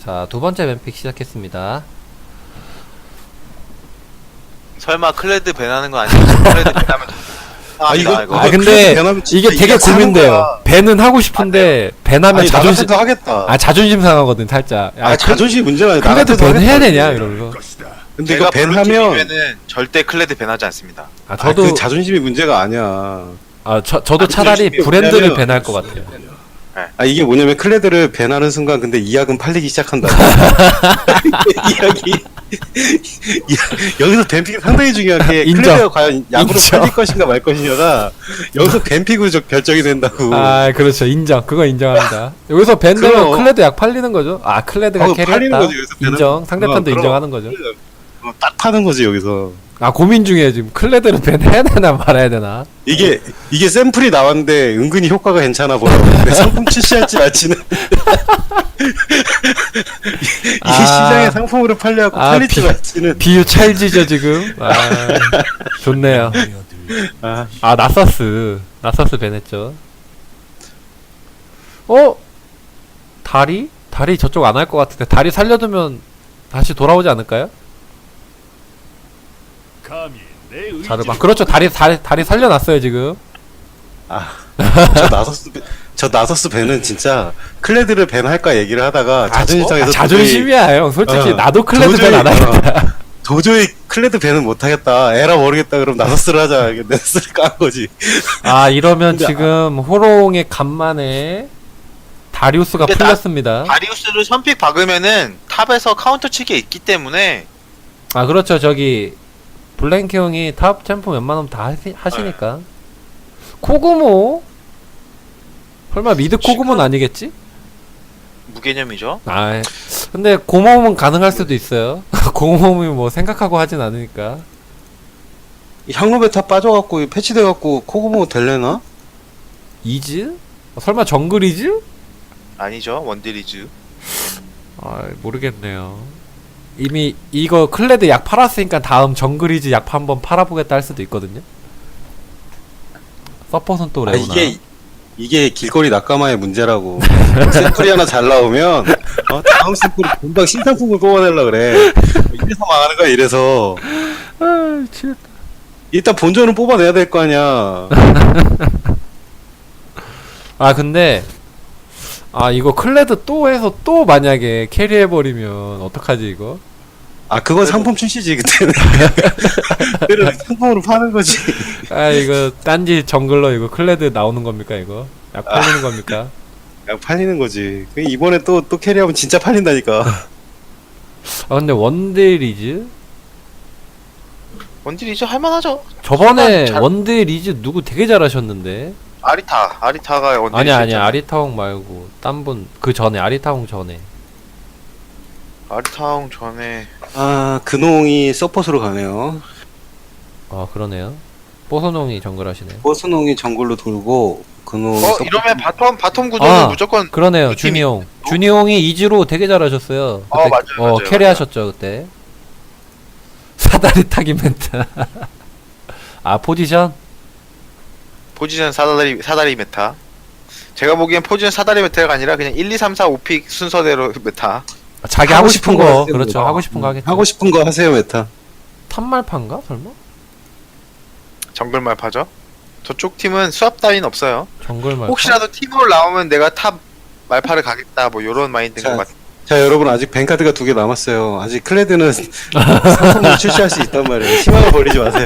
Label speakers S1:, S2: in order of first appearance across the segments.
S1: 자, 두 번째 뱀픽 시작했습니다.
S2: 설마 클레드 밴하는 거 아니야? 클레드 밴하면
S3: 이거
S1: 아, 근데
S3: 밴하면 진짜
S1: 이게 되게
S3: 이게 사는
S1: 고민돼요.
S3: 거야.
S1: 밴은 하고 싶은데 밴하면
S3: 아니,
S1: 자존심
S3: 나같아도 하겠다.
S1: 자존심 상하거든 살짝.
S3: 자존심 문제가 아니라
S1: 클레드
S3: 나같아도
S1: 밴 해야
S3: 하겠다,
S1: 되냐
S3: 이게.
S1: 이러면서.
S3: 근데 이거
S2: 제가
S3: 밴하면
S2: 블루팀이면은 절대 클레드 밴하지 않습니다.
S1: 저도
S3: 그 자존심이 문제가 아니야.
S1: 저도 차라리
S3: 자존심이
S1: 브랜드를
S3: 없냐면-
S1: 밴할 것 같아요.
S3: 이게 뭐냐면 클레드를 밴하는 순간 근데 이약은 팔리기 시작한다. 이약이 여기서 밴픽이 상당히 중요한 게
S1: 인정.
S3: 클레드가 과연 약으로
S1: 인정.
S3: 팔릴 것인가 말 것인가가 여기서 밴픽으로 결정이 된다고.
S1: 아, 그렇죠. 인정. 그거 인정합니다. 여기서 밴 되면
S3: 그럼.
S1: 클레드 약 팔리는 거죠. 아, 클레드가
S3: 팔리는
S1: 캐리했다.
S3: 거지, 여기서 밴은.
S1: 인정. 상대편도
S3: 그럼.
S1: 인정하는 거죠.
S3: 딱 파는 거지 여기서.
S1: 아, 고민 중에 지금 클레드를 밴 해야 되나 말아야 되나.
S3: 이게 샘플이 나왔는데 은근히 효과가 괜찮아 보여. 근데 상품 출시할지 말지는 이게 시장에 상품으로 팔려고 팔릴지 말지는.
S1: 비유 찰지죠 지금. 아, 좋네요. 나서스 밴했죠. 다리 저쪽 안 할 것 같은데 다리 살려두면 다시 돌아오지 않을까요? 자르반 그렇죠. 다리 살려놨어요 지금.
S3: 저 나서스 밴은 진짜 클레드를 밴할까 얘기를 하다가 자존심 상해서
S1: 자존심이야 형. 솔직히 나도 클레드
S3: 도저히,
S1: 밴 안 하겠다.
S3: 도저히 클레드 밴은 못하겠다. 에라 모르겠다. 그럼 나서스를 하자. 나서스를 깐 거지.
S1: 이러면
S3: 근데
S1: 지금 호롱의 간만에 다리우스가
S2: 근데
S1: 풀렸습니다.
S2: 다리우스를 선픽 박으면은 탑에서 카운터 치기 있기 때문에
S1: 그렇죠. 저기 블랭크 형이 탑 챔프 웬만하면 다 하시니까. 코그모? 설마 미드 코그모는 아니겠지?
S2: 무개념이죠.
S1: 근데 고모음은 가능할 수도 있어요. 고모음이 뭐 생각하고 하진 않으니까.
S3: 향로베타 빠져갖고 패치돼갖고 코고모 될래나?
S1: 이즈? 설마 정글이즈?
S2: 아니죠. 원딜이즈.
S1: 모르겠네요. 이미 이거 클레드 약 팔았으니까 다음 정글이즈 약 한번 팔아보겠다 할 수도 있거든요. 서폿은 또 레오나.
S3: 이게 길거리 낙가마의 문제라고. 샘플이 하나 잘 나오면 다음 샘플이 금방 신상품을 뽑아내려 그래. 이래서 망하는 거야. 이래서
S1: 미치겠다.
S3: 일단 본전은 뽑아내야 될 거 아니야.
S1: 근데 이거 클레드 또 해서 또 만약에 캐리해버리면 어떡하지 이거?
S3: 그건 상품 출시지 그때는. 그때는 상품으로 파는 거지.
S1: 이거 딴지 정글러 이거 클레드 나오는 겁니까 이거? 약 팔리는 겁니까?
S3: 그냥 팔리는 거지. 이번에 또 캐리하면 진짜 팔린다니까.
S1: 근데 원딜리즈?
S2: 원딜이즈 할만하죠.
S1: 저번에
S2: 잘-
S1: 원딜리즈 누구 되게 잘하셨는데?
S2: 아리타가 원딜.
S1: 아니야 아리타홍 말고 딴 분 그 전에 아리타홍 전에.
S2: 아리타홍 전에
S3: 근홍이 서폿으로 가네요.
S1: 그러네요. 뽀소농이 정글 하시네.
S3: 버스농이 정글로 돌고 근홍이
S2: 이러면 바텀 구도는 무조건
S1: 그러네요.
S2: 그 팀이-
S1: 준이홍. 준이홍이 이즈로 되게 잘하셨어요. 그때
S2: 맞아요.
S1: 캐리하셨죠 그때. 사다리 타기 멘트.
S2: 포지션 사다리 메타. 제가 보기엔 포지션 사다리 메타가 아니라 그냥 1, 2, 3, 4, 5픽 순서대로 메타.
S1: 자기 하고 싶은 거
S3: 하세요.
S1: 그렇죠. 하고 싶은 거 하겠죠.
S3: 하고 싶은 거 하세요 메타.
S1: 탑말판가 설마?
S2: 정글말 파죠. 저쪽 팀은 수압 따윈 없어요.
S1: 정글말.
S2: 혹시라도 팀으로 나오면 내가 탑 말파를 가겠다 뭐 요런 마인드인 것 같아요.
S3: 자 여러분 아직 뱅카드가 2개 남았어요. 아직 클레드는 상품을 출시할 수 있단 말이에요. 희망을 버리지 마세요.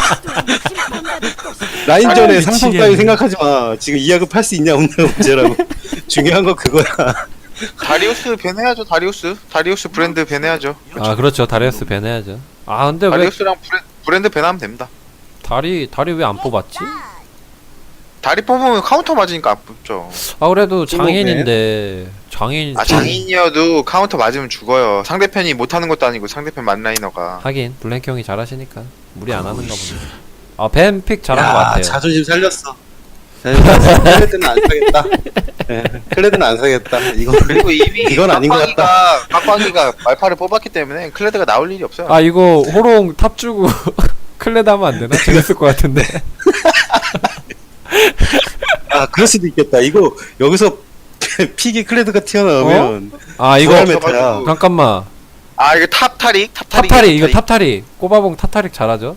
S3: 라인전에 상품 따위 생각하지 마. 지금 이약을 팔 수 있냐 없냐가 문제라고. 중요한 거 그거야.
S2: 다리우스 밴해야죠. 다리우스 브랜드 밴해야죠.
S1: 그렇죠. 다리우스 밴해야죠. 근데 왜
S2: 다리우스랑 브랜드 밴하면 됩니다.
S1: 다리 왜 안 뽑았지?
S2: 다리 뽑으면 카운터 맞으니까 안 뽑죠.
S1: 그래도 장인인데
S2: 장인이어도 카운터 맞으면 죽어요. 상대편이 못하는 것도 아니고 상대편 만라이너가.
S1: 하긴 블랭크 형이 잘하시니까 무리 안 하는가 보네. 뱀픽 잘한 것 같아요.
S3: 자존심 살렸어. 클레드는 안 사겠다. 네, 클레드는 안 사겠다.
S2: 그리고 이미
S3: 이건 아닌 것 같다.
S2: 빡빡이가 말파를 뽑았기 때문에 클레드가 나올 일이 없어요.
S1: 이거 호롱 탑 주고 클레드 하면 안 되나? 재밌을 것 같은데.
S3: 그럴 수도 있겠다. 이거 여기서 픽이 클레드가 튀어나오면
S1: 아 이거
S3: 부활 메타야.
S2: 없어가지고.
S1: 잠깐만.
S2: 아 이거 탑타릭
S1: 탑타릭 이거 탑타릭. 꼬바봉 탑타릭 잘하죠?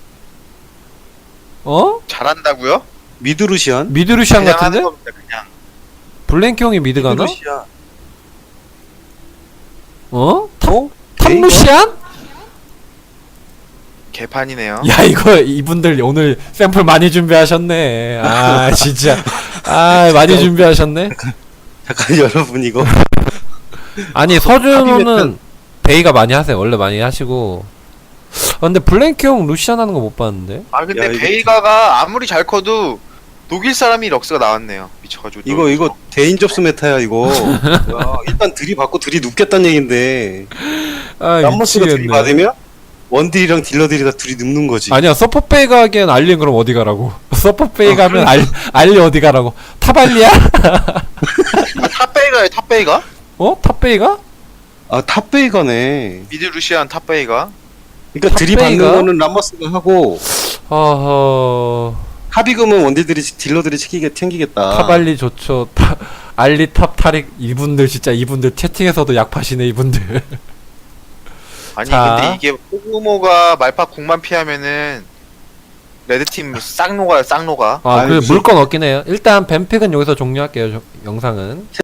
S1: 어?
S2: 잘한다고요?
S3: 미드루시안?
S1: 미드루시안
S2: 그냥
S1: 같은데?
S2: 하는 겁니다, 그냥.
S1: 블랭키 형이 미드 가나?
S3: 미드루시안.
S1: 어?
S3: 어?
S1: 탑루시안?
S2: 개판이네요.
S1: 야 이거 이분들 오늘 샘플 많이 준비하셨네. 아 진짜. 아 많이 준비하셨네.
S3: 잠깐 여러분 이거
S1: 아니 서준호는 베이가 많이 하세요. 원래 많이 하시고. 아, 근데 블랭키 형 루시안 하는 거 못 봤는데.
S2: 아 근데
S3: 야, 이거
S2: 베이가가 아무리 잘 커도 독일 사람이 럭스가 나왔네요. 미쳐가지고.
S3: 이거 대인 접수 메타야 이거. 야, 일단 들이받고 들이눕겠다는 얘긴데
S1: 아
S3: 람머스가
S1: 미치겠네.
S3: 들이받으면 원딜이랑 딜러들이 다 들이눕는 거지.
S1: 아니야 서포 베이가 하기엔 알리는 그럼 어디 가라고. 서포 베이가 하면 알리 어디 가라고. 탑알리야?
S2: 아, 탑베이가요 탑베이가?
S1: 어? 탑 베이가?
S3: 아 탑베이가네.
S2: 미드 루시안 탑베이가?
S3: 그러니까 들이받는
S1: 탑베이가?
S3: 거는 람머스가 하고
S1: 어허.
S3: 합의금은 원딜들이 딜러들이 챙기겠다.
S1: 탑알리 좋죠. 알리 탑 타릭 이분들 진짜 이분들 채팅에서도 약 파시네 이분들.
S2: 아니
S1: 자.
S2: 근데 이게 포그모가 말파 궁만 피하면은 레드팀 싹 녹아요 싹 녹아.
S1: 아,
S3: 아니,
S1: 그
S3: 무슨-
S1: 물건 없긴 해요. 일단 뱀픽은 여기서 종료할게요. 영상은.